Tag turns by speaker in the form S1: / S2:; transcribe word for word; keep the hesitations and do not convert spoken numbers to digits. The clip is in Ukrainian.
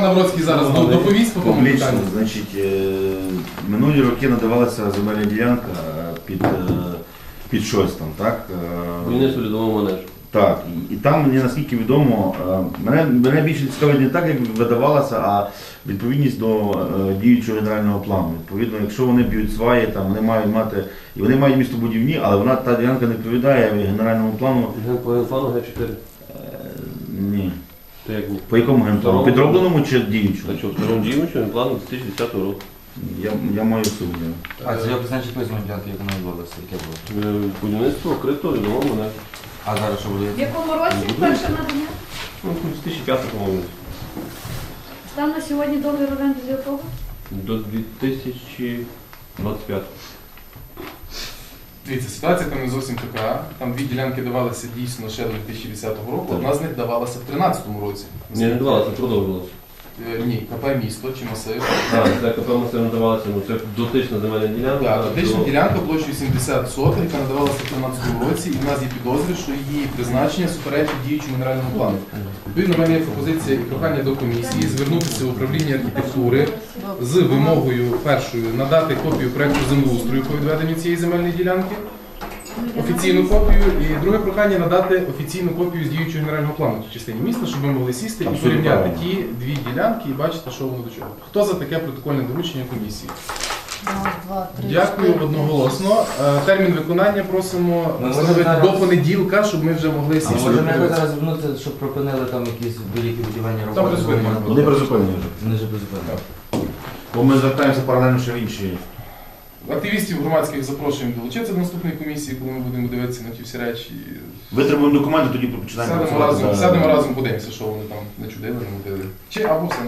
S1: Навроцький зараз
S2: Ну,
S1: доповість по тому
S2: Публічно,
S1: питанню.
S2: значить, е, минулі роки надавалася земельна ділянка е, під, е, під щось там, так? Е,
S3: Будівництво льодового манежу.
S2: Так, і, і там мені наскільки відомо, е, мене, мене більше цікавить не так, як видавалося, а відповідність до е, діючого генерального плану. Відповідно, якщо вони б'ють сваї, там вони мають мати, і вони мають містобудівні, але вона та ділянка не відповідає генеральному плану.
S3: По генплану Г чотири.
S2: Е, ні.
S3: То як ні?
S2: По якому генплану? Підробленому чи діючому?
S3: А що, второму діючому генплану дві тисячі десятого року.
S2: Я, я маю сумнів.
S4: А це як значить призвано ділянки, як вона відбулася, яке було?
S3: Е, Будівництво вкрито льодового манежу.
S4: А зараз що
S5: В
S4: буде?
S5: якому році перше надання?
S3: Ну, дві тисячі п'ятого, по-моєму.
S5: Стан на сьогодні договір оренди з якого?
S3: До дві тисячі двадцять п'ятого.
S1: Дивіться, ситуація там не зовсім така. Там дві ділянки давалися дійсно ще до дві тисячі десятого року, одна з них давалася в дві тисячі тринадцятому році.
S3: Ні, не давалося, продовжилося.
S1: Е, Ні, КП місто чи масив.
S3: Так, це КП масив надавалося, ну це дотична земельна ділянка.
S1: Так, дотична
S3: то-
S1: ділянка площею сімдесят соток, яка надавалася в дві тисячі тринадцятому році, і в нас є підозри, що її призначення суперечить діючому генеральному плану. Відповідно, в мене є пропозиція і прохання до комісії звернутися в управління архітектури з вимогою першою надати копію проекту землеустрою по відведенню цієї земельної ділянки, офіційну копію, і друге прохання надати офіційну копію з діючого генерального плану в частині міста, щоб ми могли сісти і
S2: Абсолютно
S1: порівняти
S2: правильно.
S1: ті дві ділянки і бачити, що воно до чого. Хто за таке протокольне доручення комісії?
S6: Раз, два, три,
S1: Дякую
S6: чотири.
S1: одноголосно. Е, Термін виконання просимо
S4: Ми
S1: встановити
S4: можемо
S1: до
S4: зараз-
S1: понеділка, щоб ми вже могли
S4: А
S1: сісти.
S4: може ми
S1: подивитися.
S4: зараз звернутися, щоб припинили там якісь великі будівельні
S1: Там
S4: роботи?
S1: призупинення
S4: бо
S1: було.
S2: Вони призупинені вже.
S4: Вони вже призупинили.
S2: Бо ми звертаємося паралельно ще в інші.
S1: Активістів громадських запрошуємо долучитися до наступної комісії, коли ми будемо дивитися на ті всі речі.
S2: Витребуємо документи, тоді починаємо
S1: Сядемо
S2: працювати.
S1: разом,
S2: за-
S1: сядемо разом, подивимося, що вони там не чудили, не мудили. Чи або все.